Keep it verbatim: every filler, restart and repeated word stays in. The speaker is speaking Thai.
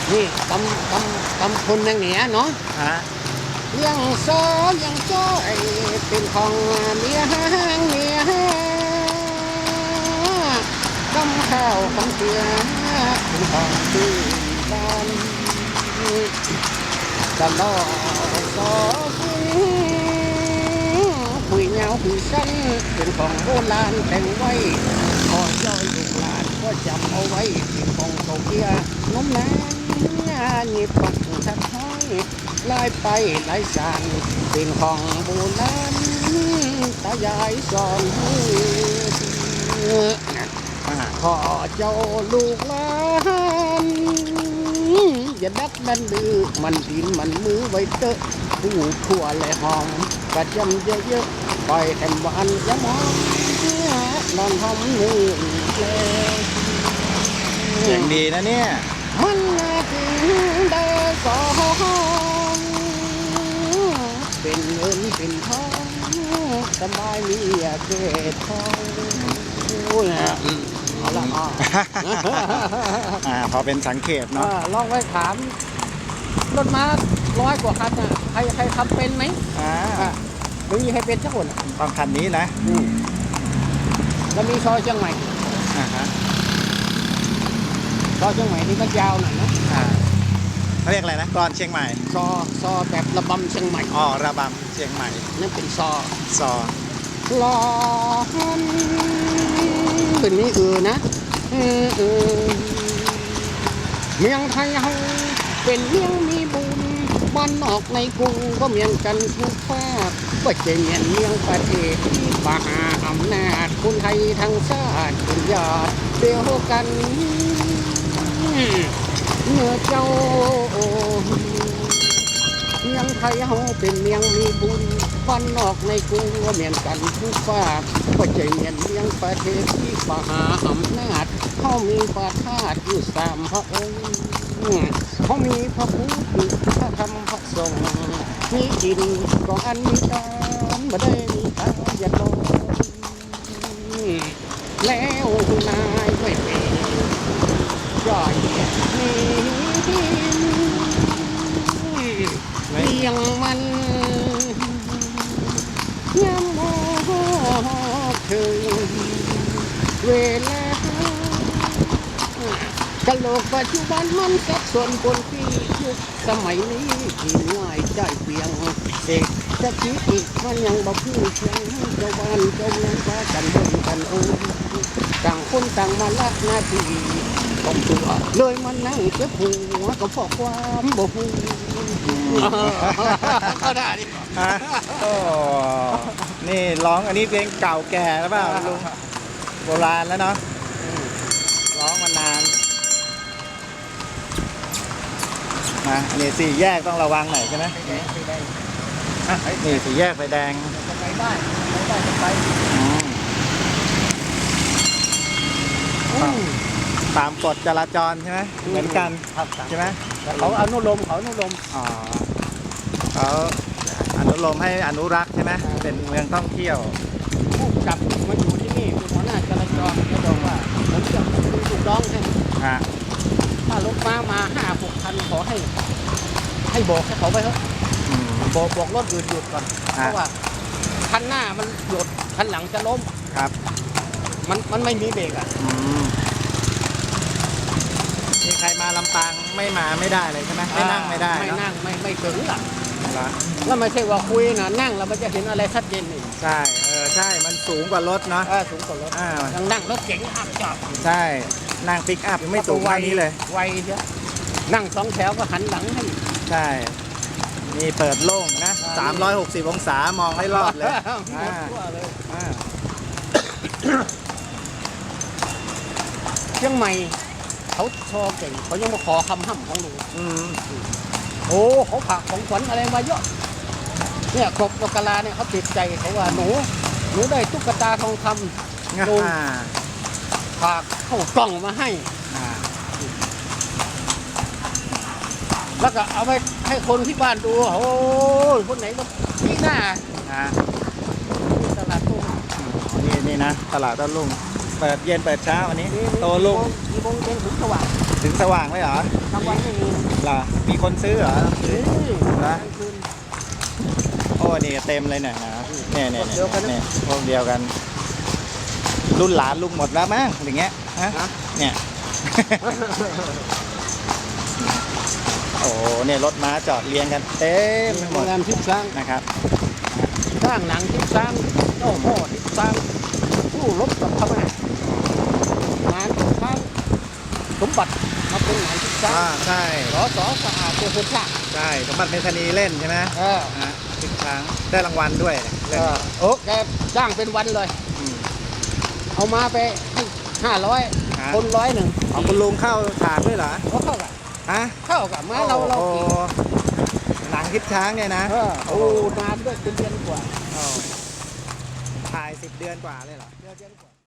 นี่ตำตำตำคนเมืองเหนือเนาะฮะยังซอยังจ้อยเป็นของเมียห้างเมียกำข้าวของเสือเป็นของที่บ้านตลอดซอคุยเงาคุยสั้นเป็นของโบราณแต่งไว้ขอย่อยลูกหลานก็จำเอาไว้เป็นของเก่าเกียน้มนานหยิบปักทัดห้อยลายไปลายสานเป็นของโบราณตายายสอนให้ขอเจ้าลูกหลานอย่าดักดันดื้อมันดินมันมือไว้เตอะผู้ทั่วและหอมกระจำเยอะๆปล่อยแถมหวานยะมองนอนหอมมือเลยเสียงดีนะเนี่ยมันถึงได้สองเป็นเงินเป็นทองสบายมีเกศทองโอ้ยเอาละอ่าพอเป็นสังเกตเนาะลองไว้ถามรถม้าร้อยกว่าคันอ่ะใครใครขับเป็นไหมอ่าไม่มีใครเป็นสักคนต้องคันนี้นะแล้วมีซอยเชียงใหม่อ่าฮะซอยเชียงใหม่นี่มันยาวหน่อยนะอ่าเขาเรียกอะไรนะกลอนเชียงใหม่ซอซอแบบระบำเชียงใหม่อ๋อระบำเชียงใหม่นั่นเป็นซอซอลอเป็นนี้เออนะเออเออเมืองไทยเฮาเป็นเมืองมีบุญบ้านนอกในกรุงก็เมียงกันทุกภาคก็จะเมียนเมืองประเทศที่มหาอำนาจคนไทยทั้งชาติเป็นญาติเดียวกันเมื่อเจ้าเมืองไทยเฮาเป็นเมืองมีบุญบ้านนอกในกรุงก็เมียนกันทุกภาคก็จะเมียนเมืองประเทศที่มหาอำนาจเขามีประทาตอยู่สามพระองค์เขามีพระพุทธพระธรรมพระสงฆ์มีจินก็อันมีการบ่ได้มีทางอย่าลงแล้วนายไม่เป็นย่อยนี้เลี้ยงมันยามโมถึงเวลากะโหลกปัจจุบันมันสับสนปนปียุคสมัยนี้ที่ง่ายใจเพียงเด็กจะคิดอีกมันยังบ่พูดเพียงเจ้าบ้านเจ้าเมืองพากันเดินกันโอ้ต่างคนต่างมาลักหน้าที่ต้องตัวเลยมันนั่งเจ็บหัวก็เพราะความบ่พูดเขาได้ดิโอ้นี่ร้องอันนี้เพลงเก่าแก่แล้วเปล่าลุงโบราณแล้วเนาะร้องมานานนะอันนี้สี่แยกต้องระวังหน่อยใช่ไหมนี่สี่แยกไฟแดงไปได้ไปได้ไปตามกฎจราจรใช่ไหมเหมือนกันใช่ไหมเขาอนุโลมเขาอนุโลมอ๋อเขาอนุโลมให้อนุรักษ์ใช่ไหมเป็นเมืองท่องเที่ยวผู้จับมาอยู่ที่นี่เป็นหัวหน้าจราจรเขาบอกว่าผมจะดูถูกร้องให้ถ้ารถม้ามาห้าหกคันขอให้ให้บอกให้เขาไปเถอะบอกบอกรถหยุดหยุดก่อนเพราะว่าคันหน้ามันหยุดคันหลังจะล้มครับมันมันไม่มีเบรกอ่ะมีใครมาลำปางไม่มาไม่ได้เลยใช่ไหมไม่นั่งไม่ได้ไม่นั่งไม่ไม่ถึงหรอกแล้วไม่ใช่ว่าคุยนะนั่งแล้วมันจะเห็นอะไรชัดเจนนี่ใช่เออใช่มันสูงกว่ารถเนาะสูงกว่ารถยังนั่งรถเก๋งอัพจับใช่นั่งปิกอัพยังไม่สูงเท่านี้เลยไวเยอะนั่งสองแถวก็หันหลังให้ใช่นี่เปิดโล่งนะสามร้อยหกสิบองศามองให้รอบเลยเชียงใหม่เขาชอเก่งเขายังมาขอคำห้ำของหนูโอ้เขาฝากของขวัญอะไรมาเยอะเนี่ยกบนกกะลาเนี่ยเขาติดใจเขาว่าหนูหนูได้ตุ๊กตาทองคำลุงฝากเข้ากล่องมาให้แล้วก็เอาไปให้คนที่บ้านดูโอ้ยคนไหนก็นี่หน้าตลาดตุ้งนี่นี่นะตลาดต้นลุงเปิดเย็นเปิดเช้าวันนี้โตลุงกี่โมงเย็นถึงสว่างถึงสว่างเลยเหรอกลางวันไม่มีเหรอมีคนซื้อเหรอนี่นะกลางคืนโอ้นี่เต็มเลยเนี่ยนะเนี่ยเนี่ยพวกเดียวกันนะเนี่ยพวกเดียวกัน รุ่นหลานลุงหมดแล้วมั้งอย่างเงี้ยฮะนะเนี่ย โอ้เนี่ยรถม้าจอดเรียงกันเต็มไปหโรมงดแรมทิพย์ช้างนะครับสร้างหนังทิพย์ช้างเจ้าพ่อทิพย์ช้างผู้รบกับพม่างานทิพย์ช้างสมบัติมาเป็นหนังทิพย์ช้าอ่าง ใช่สอสอสะอาดเพื่อคนชาติใช่สมบัติเมธานีเล่นใช่ไหมเออฮะทิศช้างได้รางวัลด้วยเอเล่นอโอ้แกจ้างเป็นวันเลยมเอามาไปห้าร้อยฮะคนร้อยหนึ่งเอาคุณลุงเข้าฉากด้วยเหรอก็เข้ากันฮะเข้ากับมาเราเราโอ้กี่โหหนังทิศช้างเนี่ยนะเออโอ้นานด้วยเป็นเดือนกว่าอ้ถ่ายสิบเดือนกว่าเลยเหรอเดือนกว่า